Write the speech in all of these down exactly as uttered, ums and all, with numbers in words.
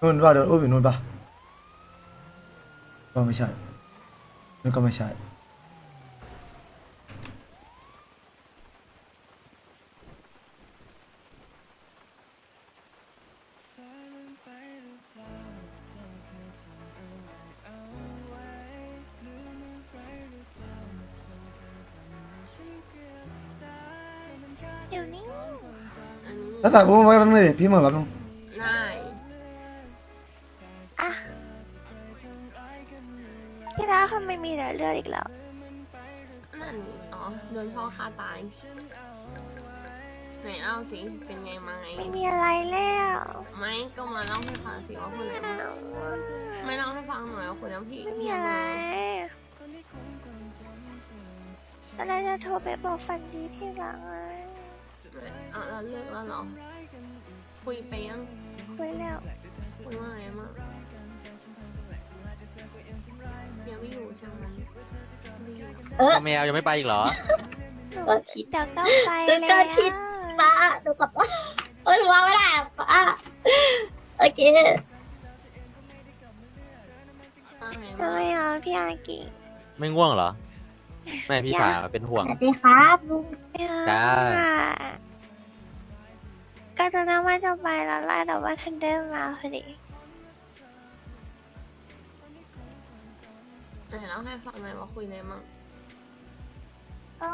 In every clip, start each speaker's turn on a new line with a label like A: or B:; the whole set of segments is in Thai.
A: นู่นป่ะโดนอุ้มอยู่นู่นป่ะก็ไม่ใช่นู่นก็ไม่ใช่
B: เดี๋ยวนี้
C: อันนี้
A: แล้วถ่ายอุ้มไว้แป๊บนึงดิพี่เหมือนแป๊บนึง
C: ได้
B: อ่ะพี่ดาเขาไม่มีเหลือเลือดอีกแล้ว
C: นั่นอ๋อโดนพ่อฆ่าตายไหนเล่าสิเป็นไงมาไง
B: ไม่มีอะไรแล้ว
C: ไม่ก็มาเล่าให้ฟังสิว่าคนไหนมาไม่เล่าให้ฟังหน่อยว่าคนนั้นพี่
B: ไม่มีอะไรตอนแรกจะโทรไปบอกฟันดีที่หลังเลย
C: เอาเราเลิกแล้วเหรอคุยไปยัง
B: คุยแล้ว
C: คุยว่าไงมั่งยังไม่อยู่ใช่ไหมไม่อยู่
D: เออแมวยังไม่ไปอีกเหรอ
B: หนู
E: ก็คิด
B: เดี๋ยวก็ไป
E: หนู
B: แล้
E: ก็
B: ว
E: คิด ป้าหนูกลับว่าเออหนูว่าไม่ได้อะป้าโอเค
C: ว่าไง
B: ทำ
C: มั่ง
B: ไมอ่ะพี่อากิ
D: ไม่ง่วงเหรอ แม่พี่ผาเป็นห่วง
E: สวัสดีครับลุง
B: ไม่เอา
D: จ้า
B: อ่ะก็จะนั่งว่าจะไปแล้วแหละแต่ว่าทันเดอร์มาพอดี
C: ไหนเล่าให้ฟังหน่อยว่าคุยอะไรมั่ง
B: ก็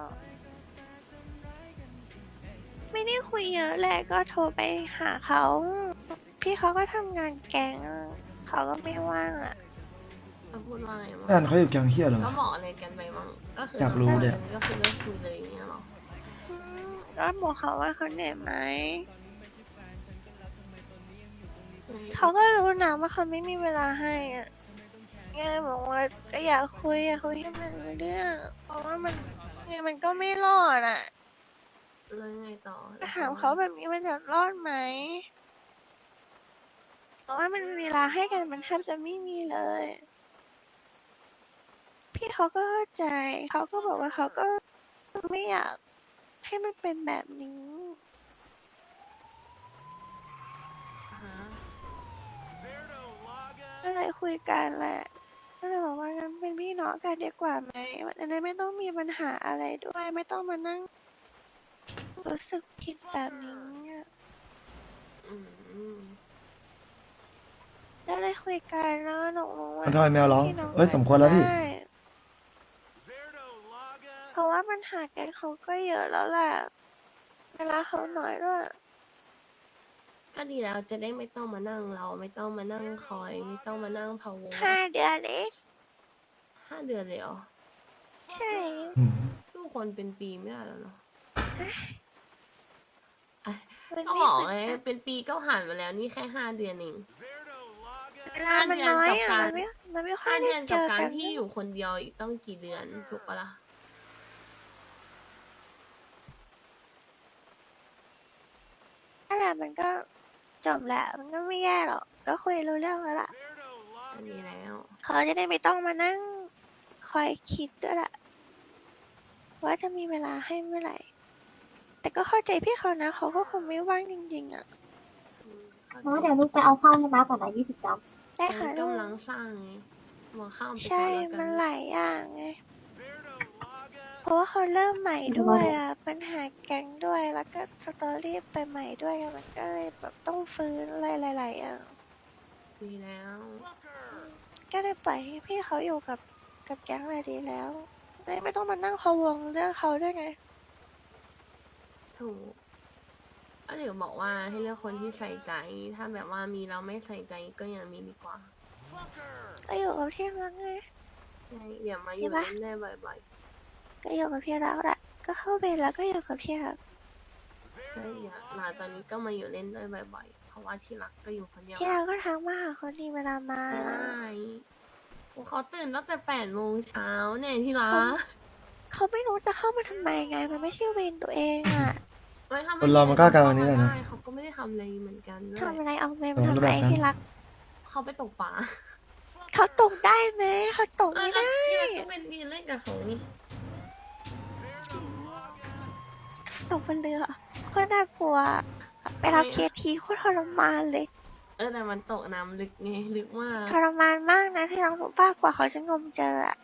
B: ไม่ได้คุยเยอะแหละก็โทรไปหาเขา พี่เขาก็ทำงานแกงอะเขาก็ไม่ว่างอ่ะ
C: เขาพูดว่าไงมั่ง
A: แฟนเขาอยู่แกงเฮียเหรอ
C: ก็บอกอะไรกันไปมั่งก็คือ
A: อยากรู้เนี่ย
C: ก็คือเลิกคุยเลยอย่างเงี้ยเหรอ
B: อืมก็บอกเขาว่าเขาเหนื่อยไหม เขาก็รู้นะว่าเขาไม่มีเวลาให้อ่ะไงบอกว่าก็อยากคุยอยากคุยให้มันรู้เรื่อง เพราะว่ามันไงมันก็ไม่รอดอ่ะ
C: แล้วยังไงต่อ
B: ก็ถามเขาแบบนี้มันจะรอดไหม เพราะว่ามันเวลาให้กันมันแทบจะไม่มีเลย พี่เขาก็เข้าใจ เขาก็บอกว่าเขาก็ไม่อยากให้มันเป็นแบบนี้
C: ฮะ
B: ก็เลยคุยกันแหละ ก็เลยบอกว่างั้นเป็นพี่น้องกันดีกว่าไหมมันจะได้ไม่ต้องมีปัญหาอะไรด้วย ไม่ต้องมานั่งรู้สึกผิดแบบนี้อะ
C: อืม
B: ก็เลยคุยกันแล้วก็หนูรู้ว่า
A: มันทำไมแมวร้อง
B: พี่น้
A: เอ้ยสมควรแล้วพี่
B: ได้เพราะว่าปัญหาแกนเขาก็เยอะแล้วแหละ เวลาเขาหน่อยด้วย
C: ก็ดีแล้วจะได้ไม่ต้องมานั่งเราไม่ต้องมานั่งคอย ไม่ต้องมานั่งพะวง
B: ห้าเดือนเอง
C: ห้าเดือนเลยเหรอ
B: ใช่
A: อืม
C: สู้คนเป็นปีไม่ได้แล้วเนาะ
B: มัน
C: ก็
B: ไม่
C: บอก
B: เหมื
C: ไง
B: อนกัน
C: เป็นปีก็ผ่านมาแล้วนี่แค่ห้าเดือนเอง
B: เวลามันน้อยอ่ะ
C: ห้า
B: มัน
C: เดื
B: ไม่
C: อน
B: มันไม่ค่อ
C: ห้าย
B: ได้
C: เดือน
B: เจ
C: กับ
B: อ
C: การ
B: กัน
C: ที่อยู่คนเดียวอีกต้องกี่เดือนถูกปะล่ะ
B: นั่นแหละมันก็จบแหละ มันก็ไม่แย่หรอก ก็คุยรู้เรื่องแล้วล่ะ
C: อันนี้แล้ว
B: เขาจะได้ไม่ต้องมานั่งคอยคิดด้วยแหละว่าจะมีเวลาให้เมื่อไหร่ แต่ก็เข้าใจพี่เขานะ เขาก็คงไม่ว่างจริงๆอ่ะ
C: อืมเข้าใจ
E: น้าเดี๋ยวลูกไปเอาข้าวให้น้าก่อนนะยี่สิบจาน
B: ได้
C: ตอน
B: ค่ะ
C: นี้
B: ลูก
C: กำลังสร้างไงมองข้ามไปก่
B: ใช่
C: อนแล้วกั
B: มัน
C: น
B: หลายอย่างไง เพราะว่าเขาเริ่มใหม่ด้วยอ่ะ ปัญหาแก๊งด้วย แล้วก็สตอรี่ไปใหม่ด้วยอะมันก็เลยแบบต้องฟื้นอะไรหลายๆอย่าง
C: ดีแล้ว
B: ก็เลยปล่อยให้พี่เขาอยู่กับกับแก๊งเลยดีแล้วเลยไม่ต้องมานั่งพะวงเรื่องเขาด้วยไง
C: ถูกก็เดี๋ยวบอกว่าให้เลือกคนที่ใส่ใจ ถ้าแบบว่ามีเราไม่ใส่ใจก็อย่ามีดีกว่า
B: ก็อยู่กับที่รักไง
C: ใช่เดี๋ยวมาอยู่
B: ใช่ปะ
C: เล่นได้บ่อย
B: ก็อยู่กับที่รักแหละ ก็เข้าเวรแล้วก็อยู่กับที่รัก
C: ๆใช่เดี๋ยวหลานตอนนี้ก็มาอยู่เล่นด้วยบ่อยๆ เพราะว่าที่รักก็อยู่คนเดียว
B: ที่รักก็ทักมาหาคนดีเวลามา
C: ไม่
B: นะ
C: ได้โอ้เขาตื่นตั้งแต่แปดโมงเช้าเนี่ยที่รั
B: เขา
C: ก
B: เขาไม่รู้จะเข้ามาทำไมไง มันไม่ใช่เวรตัวเองอ่ะ
C: ไม่ทำไ
A: คนเรามันก็อาการวันนี้แหละนะ
C: ได้เขาก็ไม่ได้ทำอะไรเหมือนกันด้วย
B: ทำอะไรเอาเวรมา
A: เออ
B: ทำ
A: แล้ว
B: ไม
A: แบบนั้น
B: ที่รัก
C: เขาไปตกปลา
B: เขาตกได้ไหมเขาตกไม่ได้
C: ที่รักก็เป็นดีเล่นกับเขานี่
B: ตกบนเรือก็น่ากลัว ไปรับเคสทีโคตรทรมานเลย
C: เออแต่มันตกน้ำลึกไงลึกมาก
B: ทรมานมากนะที่เรารู้ป้ากว่าเขาจะงมเจออะ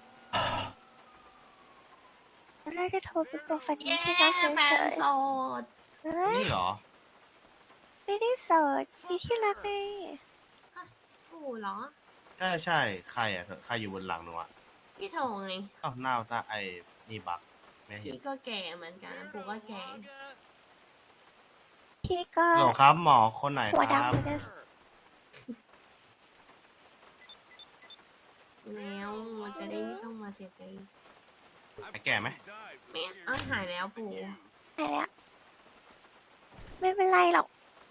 B: ตอนแรกจะโทรไปบอกฝันดี
C: เย้
B: ที่รักเฉ
C: แฟน
B: ย
C: โสด
B: ๆเฮ้ย
F: นี่เหรอ
B: ไม่ได้โสดมีที่รักไง
C: ปู่เหรอ
F: ใช่ใช่ใครอ่ะใครอยู่บนหลังหนูอ่ะ
C: พี่โถไง
F: อ้าวหน้าตาไอ้นี่บักไม่เห็น
C: พี่ก็แก่เหมือนกันปู่ก็แก่
B: พี่ก็
F: หรอครับหมอคนไหน
B: หัว
F: ครับ
B: ดำเหมือนกัน
C: แล้วมันจะได้ไม่ต้องมาเสียใจ
F: ไอ้แก่ไหม
C: ไม่เอ้ยหายแล้วปู่
B: ไปแล้วไม่เป็นไรหรอก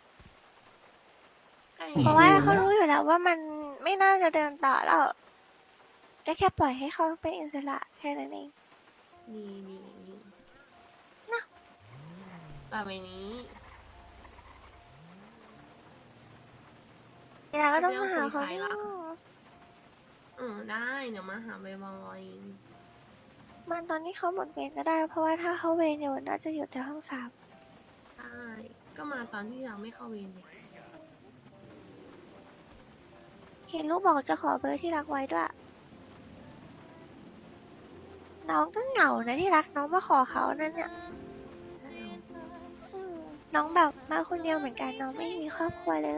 C: ใกล้
B: เพราะว่าเขารู้อยู่แล้วว่ามันไม่น่าจะเดินต่อแล้วก็แค่ปล่อยให้เขาเป็นอิสระแค่นั้นเอง
C: นี่นี่นี่
B: นะ
C: ต่อไปนี้
B: เวลาก็ต้องมาหาเขาดิ
C: เออได้เดี๋ยวมาหาบ่อย
B: มันตอนที่เขาหมดเวรก็ได้ เพราะว่าถ้าเขาเวรอยู่น่าจะอยู่แต่ห้องสาม
C: ๆได้ก็มาตอนที่เราไม่เข้าเวรเลย
B: เห็นลูกบอกจะขอเบอร์ที่รักไว้ด้วย น้องก็เหงานะที่รักน้องมาขอเขานั่นเนี่ย
C: ใช่เหรอ
B: อืมน้องแบบมาคนเดียวเหมือนกันน้องไม่มีครอบครัวเลย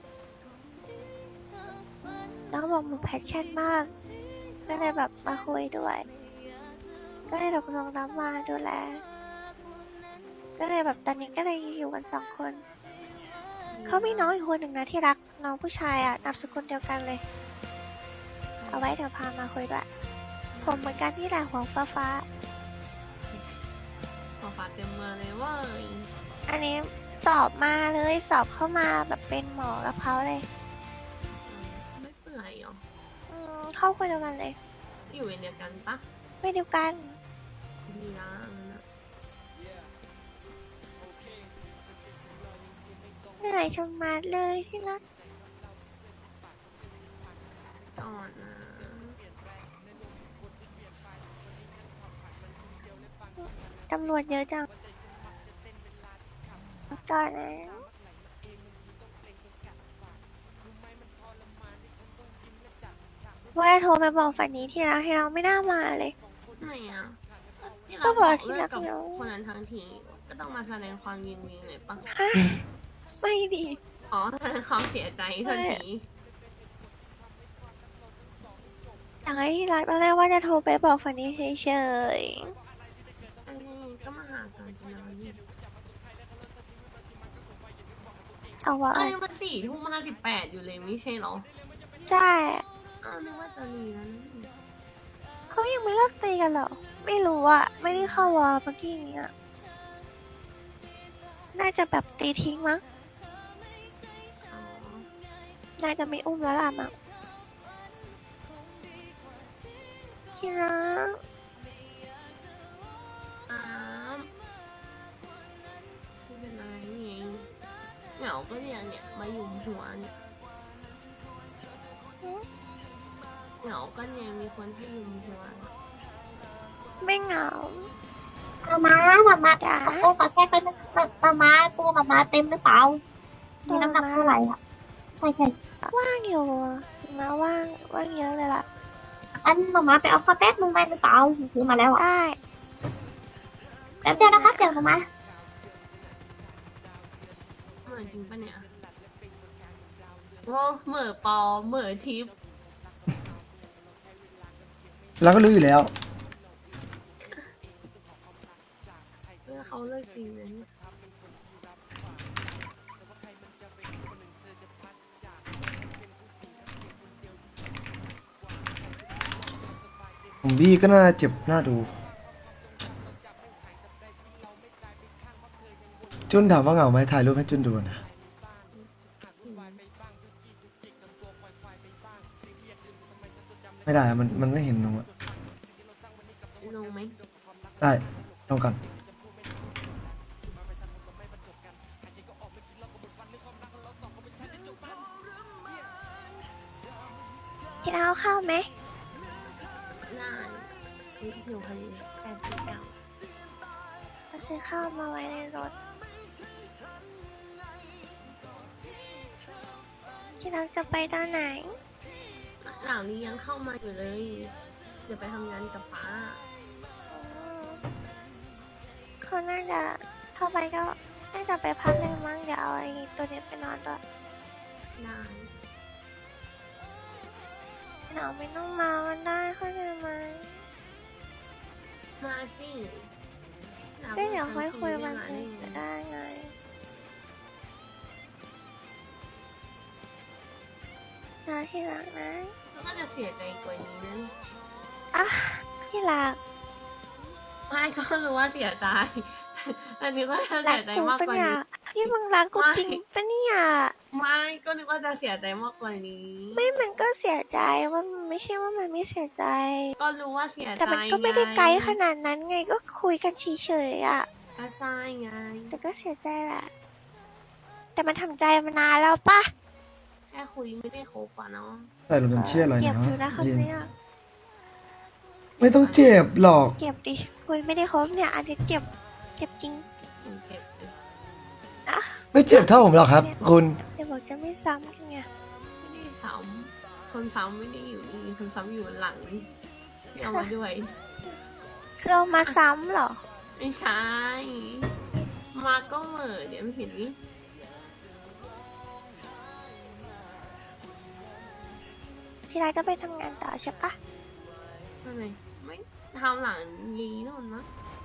B: น้องบอกหนูแพชชั่นมาก ก็เลยแบบมาคุยด้วย ก็เลยตกลงรับมาดูแล ก็เลยแบบตอนนี้ก็เลยอยู่กันสองคน เขามีน้องอีกคนหนึ่งนะที่รักน้องผู้ชายอ่ะนามสกุลเดียวกันเลย เอาไว้เดี๋ยวพามาคุยด้วยผมเหมือนกันที่แหละหัวฟ้าฟ้า
C: ขอฝากเต็มเมืองเลยเว้ย
B: ๆอันนี้สอบมาเลยสอบเข้ามาแบบเป็นหมอกับเขาเลย
C: อืมไม่เปื่อยเหรอ
B: อืมเข้าคนเดียวกันเลย
C: อยู่เวรเดียวกันปะ
B: ไม่เดียวกัน
C: ดีนะอันนั้นอะ
B: เหนื่อยชะมัดเลยที่รัก
C: ก่อนนะ
B: ตำรวจเยอะจังก่อนนะว่าจะโทรไปบอกฝันนี้ที่รักให้เราไม่น่ามาเลย
C: ไหนอ่ะที่
B: ก็
C: เรา
B: บบ อ
C: อก ก
B: ที่
C: เลิ
B: รั
C: ก
B: ก
C: กับ
B: แล้ว
C: คนนั้นทั้งทีก็ต้องมาแสดงความยินดีหน่อยปะ
B: ฮะไม่ดี
C: อ๋อแสดงความเสียใจทันที
B: อยากให้ที่รักตอนแรกว่าจะโทรไปบอกฝันนี้เฉย
C: อันนี้ก็มาหากันจะนอนนี่
B: ๆเอาวะ
C: เอ้ยมันสี่ทุ่มห้าสิบแปดอยู่เลยไม่ใช่เหรอ
B: ใช่
C: อ้าวนึกว่าจะรีแล้วนี่
B: เขายังไม่เลิกตีกันเหรอ ไม่รู้อะไม่ได้เข้าวอลเมื่อกี้นี้อะน่าจะแบบตีทิ้งมั้ง
C: อ๋อ
B: น่าจะไม่อุ้มแล้วล่ะมั้งที่รัก
C: อ้ามไม่เป็นไรนี่เองเหงาก็เนี่ยเนี่ยมาหยุมหัวเนี่ย
B: หึ
C: เหงาก็เนี่ยมีคนให้หยุมหัว
B: ไม่เหงา
E: มาม้ามาม้า
B: จ๋า
E: โอ้ขอแทรกไปนึงมาม้าตัวมาม้าเต็มหรือเปล่า มีน้ำหนักเท่าไหร่อ่ะ ใช่ใช่
B: ว่างอยู่อะมาว่างว่างเยอะเลยล่ะ
E: อันมาม้าไปเอาข้าวแป๊บนึงมาหรือเปล่าซื้อมาแล้วอ่ะ
B: ได้
E: แป๊บเดียวนะครับเดี๋ยวมาม้า
C: เหมือนจริงปะเนี่ยโอ้เหม่อปอเหม่อทิพย์
A: เราก็รู้อยู่แล้ว
C: เพื่อเขาเลิกจริงเลยเนี่ย
A: ผมบี้ก็น่าเจ็บน่าดู จุนถามว่าเหงาไหมถ่ายรูปให้จุนดูนะ ไม่ได้อะมันมันไม่เห็นหนูอะ
C: ลงไหม
A: ได้ลองกัน
B: กินเอาข้าวไหม
C: น่าอยู่พอดีแปดสิบเก้า
B: เราซื้อข้าวมาไว้ในรถที่รักจะไปตอนไหน
C: หลังนี้ยังเข้ามาอยู่เลย เดี๋ยวไปทำงานกับป้า
B: เขาน่าจะเข้าไปก็น่าจะไปพักเลยมั้งเดี๋ยวเอาไอ้ตัวนี้ไปนอนด้วย
C: ได้
B: หนาวไม่ต้องมากันได้เข้าใจไหม
C: มาสิหลัง
B: ก็เดี๋ยวค่อยคุย
C: ทำ
B: วัน
C: ที
B: อื่น
C: ไม่
B: ก็
C: มา
B: ได้ไงนะที่รักนะ
C: แล้วก็จะเสียใจกว่านี้นะ
B: อ่ะที่รัก
C: ไม่ก็รู้ว่าเสียใจ อันนี้ก็จะ
B: รั
C: เสี
B: ก
C: ยใจ
B: กู
C: มาก
B: ปะ
C: กว่า
B: เนี่ย
C: นี้
B: พี่มึงรักกู
C: ไม่
B: จริงปะเนี่ย
C: ไม่ก็นึกว่าจะเสียใจมากกว่านี้
B: ไม่มันก็เสียใจว่ามันไม่ใช่ว่ามันไม่เสียใจ
C: ก็รู้ว่าเสียใจ
B: แต่มันก็ไม่ได้ไกลข
C: ด
B: นาดนั้นไงก็คุยกันเฉยๆอ่ะ
C: ก็ใช่ไง
B: แต่ก็เสียใจแหละ แต่มันทำใจมานานแล้วปะ
C: แค่คุยไม่ได้คบอ่ะเนาะ
A: แต่หนูเป็นเชื่ออะไร
B: เก็บ
A: นะ
B: อยู่นะคำ
A: ลิน
B: เนี้ย
A: ไม่ต้องเจ็บหรอก
B: เก็บดิคุยไม่ได้ครบเนี่ย อันนี้เก็บ เก็บจริง
C: เก็บเลย
B: อ่ะ
A: ไม่เจ็บเท่าผมหรอกครับ คุณ
B: เดี๋ยวบอกจะไม่ซ้ำกันไง
C: ไม่ได้ซ้ำคนซ้ำไม่ได้อยู่นี่คนซ้ำอยู่หลังที่เอามาด้วย
B: คือเอามาซ้ำเหรอ
C: ไม่ใช่ มาก็เหม่อเดี๋ยวไม่เห็นนี่
B: ที่ไรก็ไปทำงานต่อใช่ปะ
C: ทำไมไม่ทำหลังลีนู่นมั้ง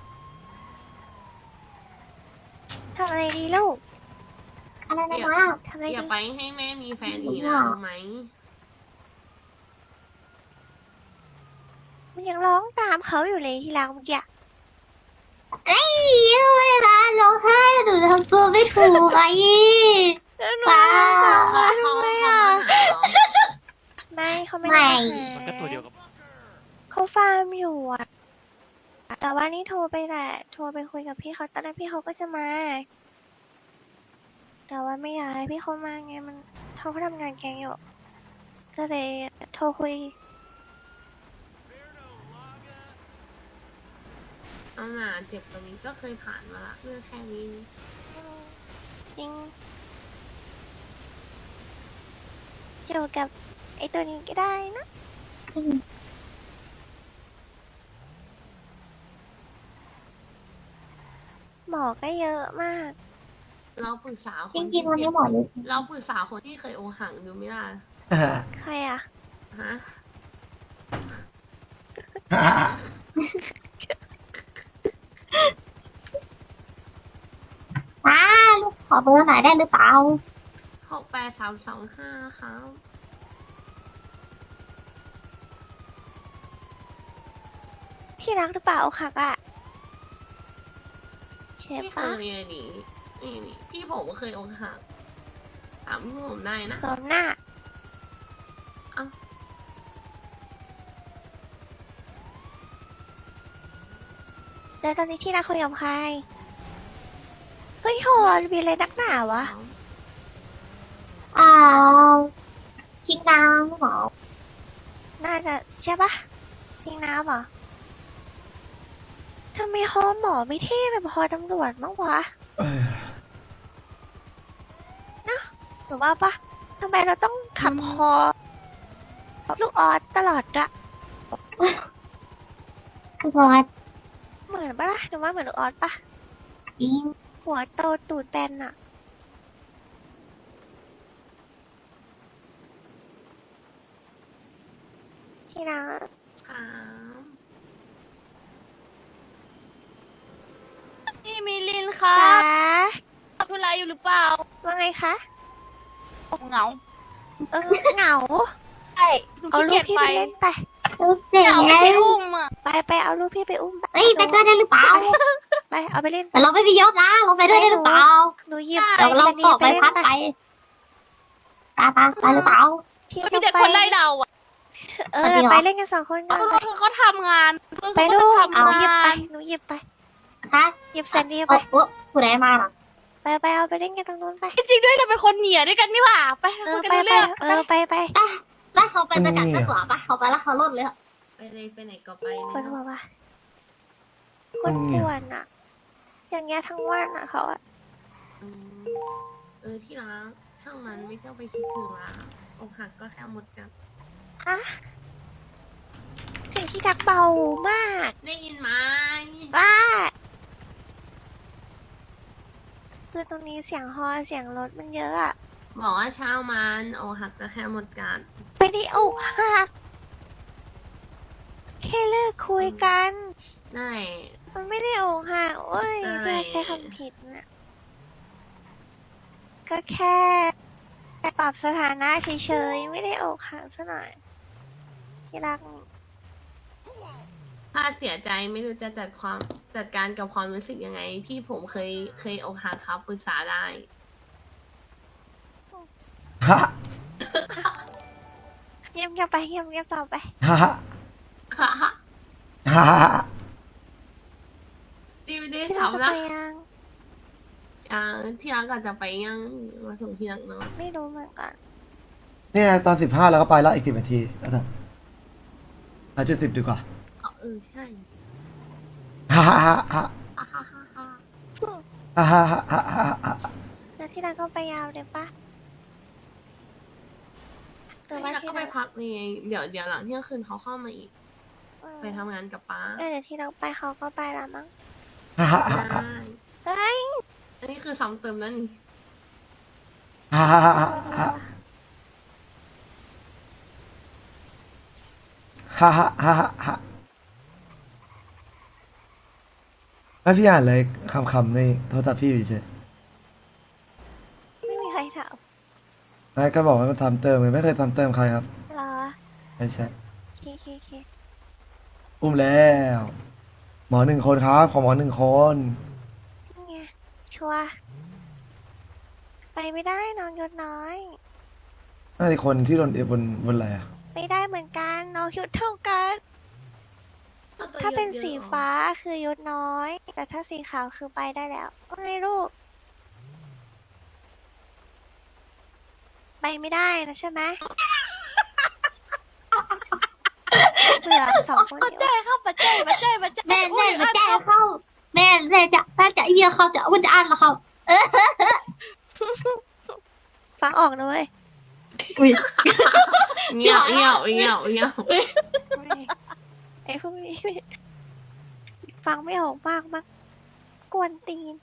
B: ทำอะไรดีลูก
E: อะไรนะมา
B: ทำอะไร
C: อย่า
B: ดี
C: ไปให้แม่มีแฟนอีกนะรู้ไหม
B: มันยังร้องตามเขาอยู่เลยที่รักเมื่อกี้
E: เอ้ยไม่มาร้องไห้หนูทำตัวไม่ถูกไอ้ ป้า
C: เขา
B: ทำไม
C: เขา
B: อ่ะ
C: มาหาเหรอ
B: ไม่เขาไม่ได้มาหา
D: มันก็ตัวเดียวกับ
B: เขาฟาร์มอยู่อ่ะ แต่ว่านี่โทรไปแหละ โทรไปคุยกับพี่เขาตอนนั้นพี่เขาก็จะมา แต่ว่าไม่อยากให้พี่เขามาไงมันเขาก็ทำงานแกงอยู่ ก็เลยโทรคุย
C: เอาหนาเจ็บตรงนี้ก็เคยผ่านมาละเรื่องแค่นี้
B: จริง เกี่ยวกับไอ้ตัวนี้ก็ได้นะ หมอก็เยอะมาก
C: เราปรึกษาคน
E: จริงๆวันนี้หมอเลย
C: เราปรึกษาคนที่เคยอกหักดูไม่ได้
A: อ่า
B: ใครอ่ะ
C: ฮะ
E: ป้าลูกขอเบอร์หน่อยได้หรือเปล่า
C: หกแปดสามสองห้าครับ
B: ที่รักหรือเปล่าอกหักอ่ะใช่
C: พี่เค
B: ปะ
C: ยอันนี้นี่นี่พี่ผมก็เคยอกหักถามพี่ผมได้นะ
B: สมหน้า
C: เอ้า
B: แล้วตอนนี้ที่รักคุยกับใคร เฮ้ยโหดมีอะไรนักหนาวะ
E: อ่าคิดนางหมอ
B: น่าจะใช่ปะจริงน้ำเหรอทำไมฮอหมอไม่เท่แบบฮอตำรวจมั้งวะ
A: เอ้ย
B: หรือว่าปะทำไมเราต้องขับฮอลูกออสตลอดอะ
E: คือพอ
B: เหมือนปะล่ะหรือว่าเหมือนลูกออสปะ
E: จริง
B: หัวโตตูดแบนอะที่รัก
C: ครับ
G: พี่มิลินค่ะ
B: จ๋า
G: ทำธุระอยู่หรือเปล่า
B: ว่าไงคะ
G: เหงา
B: เออเหงา
G: ใช่หนู
B: เอา
G: ขี้
B: ลู
G: เกี
B: ก
G: ยจ
B: พี่
G: ไป
B: ไปเล่นไป
E: ลูกเจ๋ง
G: เหงาไม่ได้อุ้มอ่ะ
B: ไปไปเอาลูกพี่ไปอุ้มไป
E: เอ้ยไปด้วยได้หรือเปล่า
B: ไปเอาไปเล่น
E: แต่เราไม่มียศนะเราไปด้วยได้หรือเปล่า
B: หนูหยิบ
E: เดี๋ยวเรา
B: สนี
E: ตอก
B: ไป
E: ใบ
B: เล่น
E: พัด
B: ไป
E: ไปไปไปไปหรือเปล่า
B: ที่
G: มี
B: ต้อง
G: แต่
B: ไป
G: คนไล่เราอ่ะ
B: เอ
E: จริ
B: อง
E: เหรอ
B: ไปเล่นกันสองคนก่อนไป
G: เพื่อนเขาทำงานเพื่อน
B: ไป
G: เขา
B: ลู
G: ก็
B: ก
G: ทำ
B: หนูหยิบ
G: งา
B: ไป
G: น
B: หนูหยิบไป
E: ฮะ
B: หยิบแซนดี้
E: เอ
B: ไป
E: อเออผู้ใดมาล่ะ
B: ไปไปเอาไปเล่นกันตรงนู้นไป
G: จริงๆด้วยเราเป็นคนเหนียด้วยกันนี่หว่า ไป
B: เอ
G: คุ
B: อย
G: กัน
B: ไป
G: รู้
B: ไป
G: เรื่อง
B: เออไปไป
E: แล้วเขาไปประจักษ์ดีกว่าปะเขาไปแล้วเขาลดเลยอะ
C: ไปเลยไปไหนก็ไป
B: ปวด
C: เลย
B: หัวปะคนปวดอ่ะ อย่างเงี้ยทั้งวันอ่ะเขาอ่ะ
C: อืมเออที่รักช่างมันไม่ต้องไปคิดถึงละอกหักก็แค่หมดกัน
B: อะเสียงที่ดักเบามาก
C: ได้ยินไหม
B: บ้าคือตรงนี้เสียงฮอเสียงรถมันเยอะอะ
C: บอกว่าเช้ามันอกหักก็แค่หมดกัน
B: ไม่ได้อกหักแค่เลิกคุยกัน
C: ได้
B: มันไม่ได้อกหักโอ้ย
C: อะไร
B: เพื่อใช้คำผิดนะก็แค่ปรับสถานะเฉยๆ ไม่ได้อกหักซะหน่อย ที่รักนี่
C: ถ้าเสียใจไม่รู้จะจัดความจัดการกับความรู้สึกยังไง พี่ผมเคยเคยอกหักครับปรึกษาได้
A: ฮะ
B: เงียบเงียบๆไปเงียบเงียบๆต่อไป
A: ฮะฮะ
C: ดีไม่ได้
B: ที่เราจะ
C: ทำนะ
B: ไปยัง
C: ยังที่รักก็จะไปยังมาส่งที่รักเนาะ
B: ไม่รู้เหมือนกัน
A: เนี่ยตอนสิบห้าแล้วก็ไปแล้วอีกสิบนาทีแล้วแต่อาจุดสิบดีกว่า
C: อ๋อเออใช่
A: ฮ่าฮ่าฮ่าฮ่า
C: ฮ่าฮ่าฮ่าฮ่า
A: ฮ่าฮ่าฮ่าฮ่าฮ่า
B: แล้วที่รักก็ไปยาวเลยปะหรือ
C: ที่
B: ว่า
C: รัก
B: ที่
C: ก็ไป
B: รัก
C: พักนี่ไงเดี๋ยวเดี๋ยวหลังเที่ยงคืนเขาเข้ามาอีก
B: เออ
C: ไปทำงานกับป้า
B: เออเดี๋ยวที่รักไปเขาก็ไปละมั้ง
A: ฮ่าฮ่า
C: ได้
B: เฮ้ย
C: อันนี้คือซ้ำเติมแล้วนี่
A: ฮ่าฮ่าฮ่าฮ่าฮ่าฮ่าฮ่าฮ่าแล้วพี่อ่านเลยคำๆในโทรศัพท์พี่อยู่เฉย
B: ไม่มีใครถาม
A: แล้วก็บอกว่ามันทำเติมเลยไม่เคยทำเติมใครครับ
B: เหรอ
A: ใช่ใช่
B: เคเคเค
A: อุ้มแล้ว หมอหนึ่งคนครับ ขอหมอหนึ่งคน
B: นี่ไงชัวร์ไปไม่ได้น้องยศน้อย
A: น่าจะคนที่โดนเอบนบนอะไรอ่ะ
B: ไม่ได้เหมือนกันน้องยศเท่ากัน ถ้าเป็นสีฟ้าคือยศน้อย แต่ถ้าสีขาวคือไปได้แล้วว่าไงลูก ไปไม่ได้นะใช่ไหมเบื่อสองคน
G: ปัจ
B: นี้
G: จั
B: ว่ะ
G: ยครับปัจจัยปัจจัยปัจจัย
E: แม่แม่มาแจ้งเข้า แม่แม่จะแม่จะเยี่ยเขาจะว่าจะอ่านเหรอเขา
B: ฟังออกนะเว้ย
E: อุ้ย
C: เงี้ยวเงี้ยวเงี้ยวเงี้ยว
B: ไอ้พวกนี้ฟังไม่ออกมากมากกวนตีน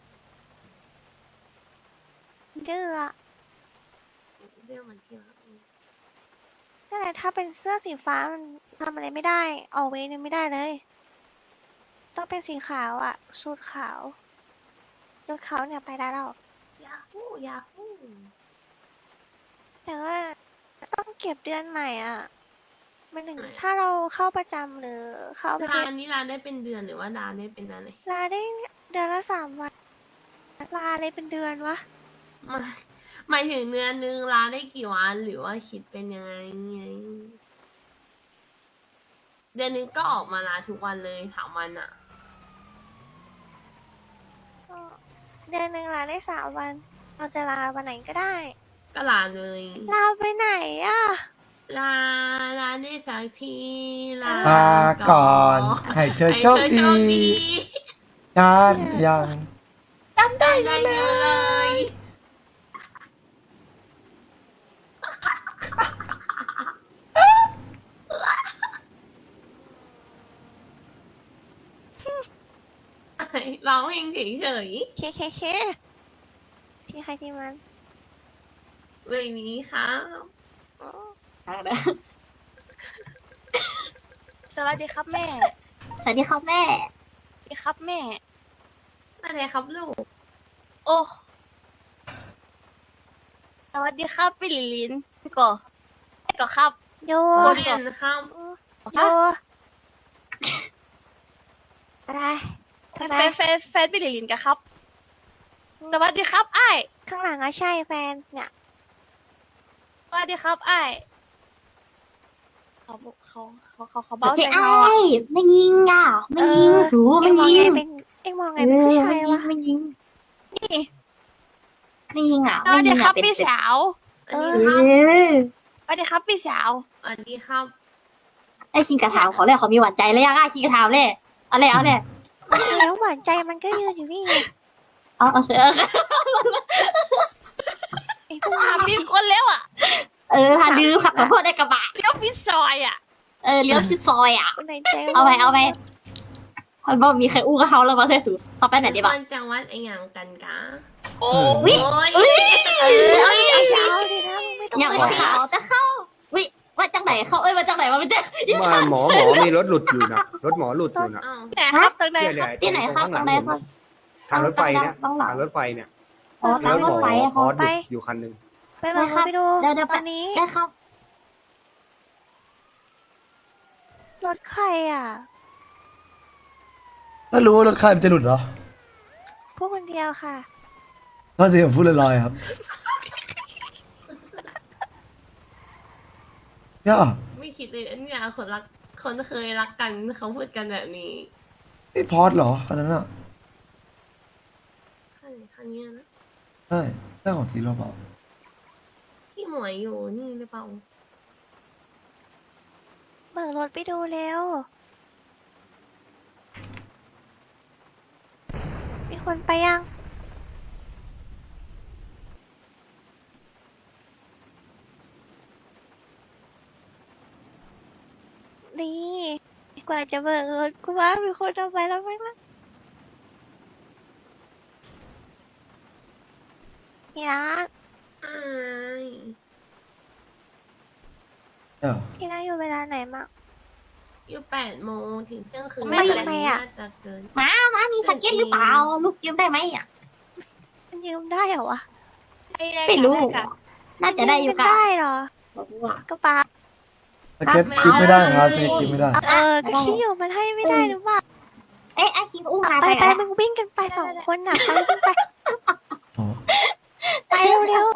B: เดือ
C: เรื่องมันที่รัก
B: นั่นแหละถ้าเป็นเสื้อสีฟ้ามันทำอะไรไม่ได้ ออกเวรยังไม่ได้เลย ต้องเป็นสีขาวอะสูทขาวยศขาวเนี่ยไปได้แล้ว
C: ยาฮูยาฮู
B: แต่ว่าต้องเก็บเดือนใหม่อ่ะมันถึงถ้าเราเข้าประจำหรือเข้าประเท
C: ร้า
B: ศ
C: นนี้ร้านได้เป็นเดือนหรือว่าดานได้เป็นอะไร
B: ลาได้เดือนละสามวันลาอะไรเป็นเดือนวะ
C: หมายหมายถึงเดือนนึงร้านได้กี่วันหรือว่าคิดเป็นยังไงไงเดือนนึงก็ออกมาลาทุกวันเลยสามวันอะ
B: ก็เดือนหนึ่งลาได้สามวัน เราจะลาวันไหนก็ได้
C: ก็ลาเลย
B: ลาไปไหนอ่ะ
C: ลาลาได้สักทีลา
A: ลาก่อนให้เธอโชค
C: ให้เธอ
A: ดี
C: โชคดี
A: ยานยัง
C: ได้ได้เยอะเลย ร้องเพลงเฉย
B: เคเคเคที่ใครที่มัน
C: ๆเลยนี้ครับ
B: อ๋อ
G: สวัสดีครับแม่
E: สวัสดีครับแม่
G: สวัสดีครับแม่
C: อะไรครับลูก
G: โอ้สวัสดีครับพี่ลิลินพี่ก่อพี่ก่อครับ
B: โย
C: โอเรียนครับ
B: โยอะไร
G: แฟ
B: ทำไม
G: นแฟนแฟนพี่ลิลินกันครับสวัสดีครับไอ้าย
B: ข้างหลังก็ใช่แฟนเนี่ย
G: สวัสดีครับไอ้ายเขาเขาเขาเขาเขาเบา
E: เจ๊
G: ใส่
E: ไอ้
G: เราอะ
E: ไม่ยิงอ่ะไม่ยิงสู
B: เอ็
E: ไม่
B: งมอง
E: ยิ
B: ไง
E: ง
B: เป็นเอ็งมองไงเป็นผู้ชายวะ
E: ไม่ยิง
G: นี่
E: ไม่ยิงอ่ะ
G: สวัสดีครับ
E: ไม่ยิงอ่ะเป็น
G: พี่สาว
C: อัน
E: เอ
C: นี้ครับ
E: อ
G: สวัสดีครับพี่สาว
C: สวัสดีครับ
E: ไอ้คิงกับสาวขอเลยขอมีหวานใจเลยยังอ่ะคิงกับถามเลยเอาเลยเอาเลย
B: แล้วหวานใจมันก็ยืนอยู่นี่ไง
E: เอาเอาเถอะ
B: ไอ้พวก
G: ถามมีคนแล้วอ่ะ
E: เออหาดื้อขับขอโทษในกระบะ
G: เลี้ยวพิดซอยอ่ะ
E: เออเลี้ยวชิดซอยอ่ะ
B: คนไหนใจ
E: เอาไปเอาไปเขาบอกมีใครอู้กับเขาแล้วมาเทสูต่อไปไหนดี
C: ค
E: บ้าง
C: นจังหวัดไอ้หยังกันกะ
G: โอ้
E: วิ
C: โอ้ย
B: เออเอาดิเอายาวดินะมึงไม่ต้อง
E: อย่าง
B: ไป
E: ว่าเขาแต่เข้าวิว่าจังไหนเขาเอ้ยว่าจังไหนว่ามันจะ
H: มาหมอหมอมีรถหลุดอยู่นะรถหมอหลุดอยู่นะ
C: อ้าว
G: ไหนครับตรงไหน
H: เนี่ย
G: ค
H: เนี่
G: รับ
H: ย
E: ที่ไหนครับ
H: ตรง
E: ตรงไหน
H: ข้าง
E: ครับ
H: หลังผมทางรถไฟเนี่ย
E: ต้องหลัง
H: ทางรถไฟเนี่ย
E: อ๋อตามรถไฟ
H: หม
E: อะ
H: อพอหลุดอยู่คันหนึ่ง
B: ไปบอกเขาไปดู
E: เดี๋ยวเดี๋ยว
B: ตอนนี้
E: ได้ครับ
B: รถใครอ่ะ
A: ถ้ารู้ว่ารถใครมันจะหลุดเหรอ
B: พวกคนเดียวค่ะ
A: ตอนที่ผมพูดลอยๆครับย่า
C: ไม่คิดเลยอันเนี่ยคนรักคนเคยรักกันเขาพูดกันแบบนี้
A: ไอ้พอดเหรอคันนั้นอ่ะ
C: คันคันเนี้ยนะ
A: ใช่เจ้าของทีโร่เปล่า
C: ที่หมวยอยู่นี่หรือเปล่า
B: เบิกรถไปดูเร็ว มีคนไปยัง ดีกว่าจะเบิกรถกูว่ามีคนเอาไปแล้วไหมล่ะที่รัก
C: อ้าย
A: ใช่เหรอ
B: ที่รักอยู่เวลาไหนมั่ง
C: อยู่แปดโมงถึงเที่ยงคืน
B: ไม่ทำไมอะ
C: น่าจะเกิน
E: มามามีสเก็ตหรือเปล่าลูกยืมได้ไหมอ่ะ
B: มันยืมได้เหรอวะ
E: ไม่รู้
G: ด้ค่ะ
E: น่าจะได้อยู่
B: มัน
E: ค่ะ
B: ได้เหรอ
E: บอกว่า
B: กระเป๋า
A: สเก็ตกิฟไม่ได้ครับสเก็ตกิฟไม่ได้
B: เออก็คิดอยู่มันให้ไม่ได้หรือเปล่า
E: เอ๊ะอาคิงอู้มา
B: ไป
E: ไป
B: ไป
E: อะ
B: มึงวิ่งกันไปสองคนน่ะไปวิ่งไป
A: อ๋อ
B: ไปเร็ว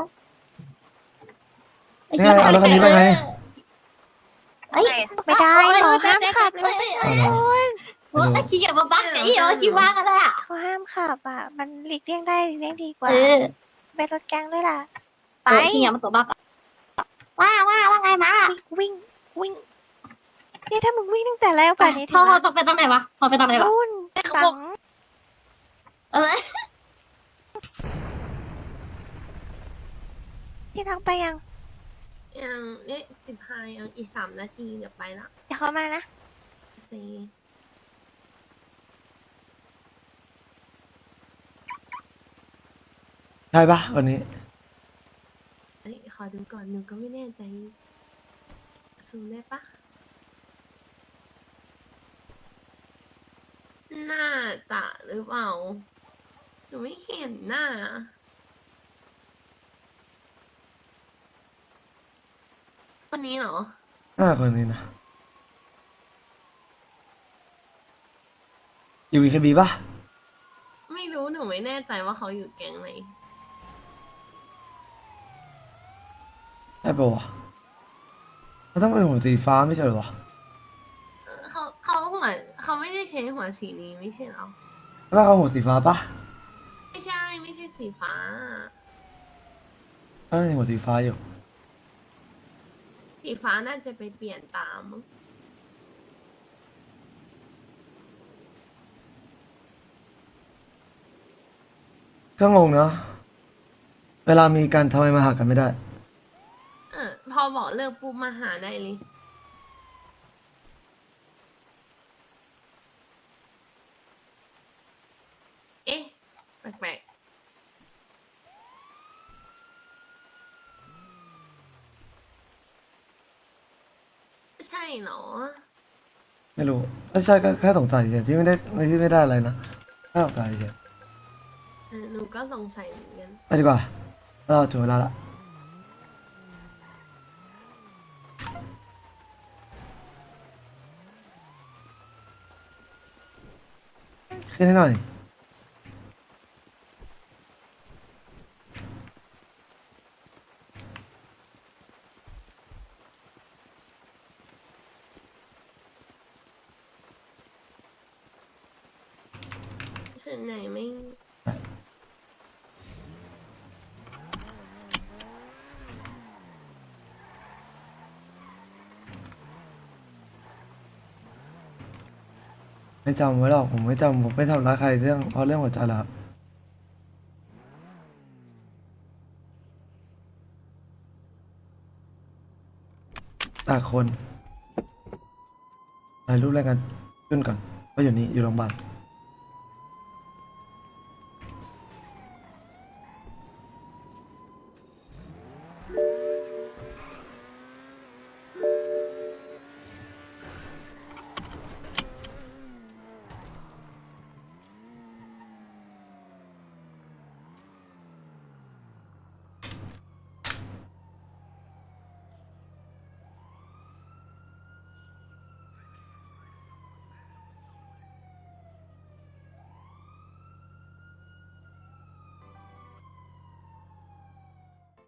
A: นี่ไงเอารถคันนี้ไปไง
E: เอ้ย
B: ๆไม่ได้หรอห้ามขับเลยไม่ใช่คน
E: โอ้อาคิงอย่ามาบักไอ้เหรอคิงว่ากันเลยอ่ะ
B: เขาห้ามขับอ่ะ มันหลีกเลี่ยงได้หลีกเลี่ยงดีกว่า
E: เออ
B: เป็นรถแก๊งด้วยล่ะ
E: ไป
B: ไป
E: คิงอย่ามาตัวบักอะว่าว่าว่าไงมา
B: วิ่งวิ่งเนี่ยถ้ามึงวิ่งตั้งแต่แรกป่านนี้
E: พ
B: ถึ
E: อง พอ
B: ละ
E: ต้องไปตรงไหนวะพอไปตรงไหนวะ
B: นู่นสัง
E: เออ
B: ที่ทักไปยัง
C: ยังเอ๊ะสิบห้ายังอีกสามนาทีเดี๋ยวไปละ
B: เดี๋ยวเขามานะ
C: ซี
A: ใช่ปะวันนี้
C: เอ้ยขอดูก่อนหนูก็ไม่แน่ใจซูมได้ปะน่าจะหรือเปล่าหนูไม่เห็นหน้าคนนี้เหรอ
A: ห้าคนนี้นะอยู่วีเคบีปะ
C: ไม่รู้หนูไม่แน่ใจว่าเขาอยู่แก๊งไหน
A: ใช่ปะวะเขาต้องเป็นหัวสีฟ้าไม่ใช่เหรอวะ
C: เออเขาเขาหัวเขาไม่ได้ใช้หัวสีนี้ไม่ใช่เหรอ
A: ใช่ปะเขาหัวสีฟ้าปะ
C: ไม่ใช่ไม่ใช่สีฟ้า
A: เขาเป็นหัวสีฟ้าอยู่
C: สีฟ้าน่าจะไปเปลี่ยนตามมั้ง
A: ก็งงเนาะเวลามีกันทำไมมาหากันไม่ได้
C: เออพอบอกเลิกปุ๊บมาหาได้เลย เอ๊ะ แปลกๆ ใช่เหรอ
A: ไม่รู้ถ้าใช่ก็แค่สงสัยเฉยพี่ไม่ได้ไม่ที่ไม่ได้อะไรนะแค่สงสัยเฉย
C: เออหนูก็สงสัยเหมือนกัน
A: ไปดีกว่าเราถึงเวลาละขึ้นให้หน่อย
C: คืนไหนไม่
A: ไม่จำไว้หรอกผมไม่จำผมไม่ทำร้ายใครเรื่องเพราะเรื่องหัวใจแล้วครับแปดคนถ่ายรูปแรกกันขึ้นก่อนก็อยู่นี่อยู่โรงพยาบาล